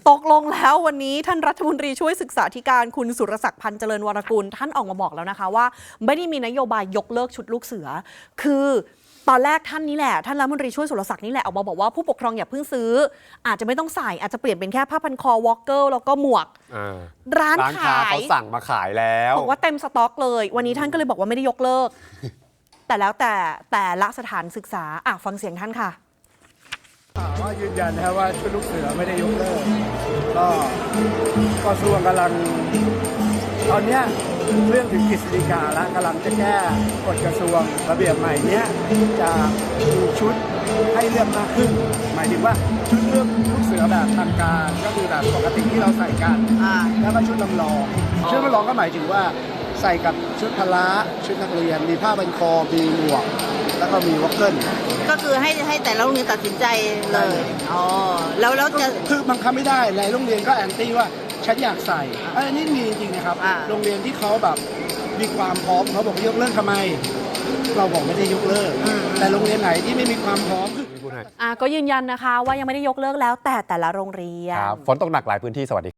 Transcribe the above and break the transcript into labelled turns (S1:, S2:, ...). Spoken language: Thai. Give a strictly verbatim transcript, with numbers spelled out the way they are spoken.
S1: ตกลงแล้ววันนี้ท่านรัฐมนตรีช่วยศึกษาธิการคุณสุรศักดิ์พันธ์เจริญวรกุลท่านออกมาบอกแล้วนะคะว่าไม่ได้มีนโยบายยกเลิกชุดลูกเสือคือตอนแรกท่านนี้แหละท่านรัฐมนตรีช่วยสุรศักดิ์นี่แหละออกมาบอกว่าผู้ปกครองอย่าเพิ่งซื้ออาจจะไม่ต้องใส่อาจจะเปลี่ยนเป็นแค่ผ้าพันคอวอลเกอร์แล้วก็หมวกร้านขาย
S2: เขาสั่งมาขายแล้ว
S1: บอกว่าเต็มสต็อกเลยวันนี้ท่านก็เลยบอกว่าไม่ได้ยกเลิก แต่แล้วแต่แต่ละสถานศึกษาอ่ะฟังเสียงท่านค่ะ
S3: ว่ายืนยันนะครับว่าชุดลูกเสือไม่ได้ยกเลิกก็กระทรวงกำลังตอนนี้เรื่องถึงกฤษฎีกาแล้วกำลังจะแก้กฎกระทรวงระเบียบใหม่เนี้ยจะมีชุดให้เลือกมากขึ้นหมายถึงว่าชุดเลือกลูกเสือแบบทางการก็คือแบบปกติที่เราใส่กันแล้วก็ชุดลำลองชุดลำลองก็หมายถึงว่าใส่กับชุดพละชุดนักเรียนมีผ้าพันคอมีหมวกแล้วก็มีวอคเกิล
S4: ก็คือให้ให้แต่ละโรงเรียนตัดสินใจเลยอ๋อแล้วแล้วจะ
S3: คือบังคับไม่ได้หลายโรงเรียนก็แอนตี้ว่าฉันอยากใส่อันนี้มีจริงนะครับโรงเรียนที่เขาแบบมีความพร้อมเขาบอกยกเลิกทำไมเราบอกไม่ได้ยกเลิกแต่โรงเรียนไหนที่ไม่มีความพร้อม
S1: อ่าก็ยืนยันนะคะว่ายังไม่ได้ยกเลิกแล้วแต่แต่ละโรงเรียน
S2: ฝนตกหนักหลายพื้นที่สวัสดี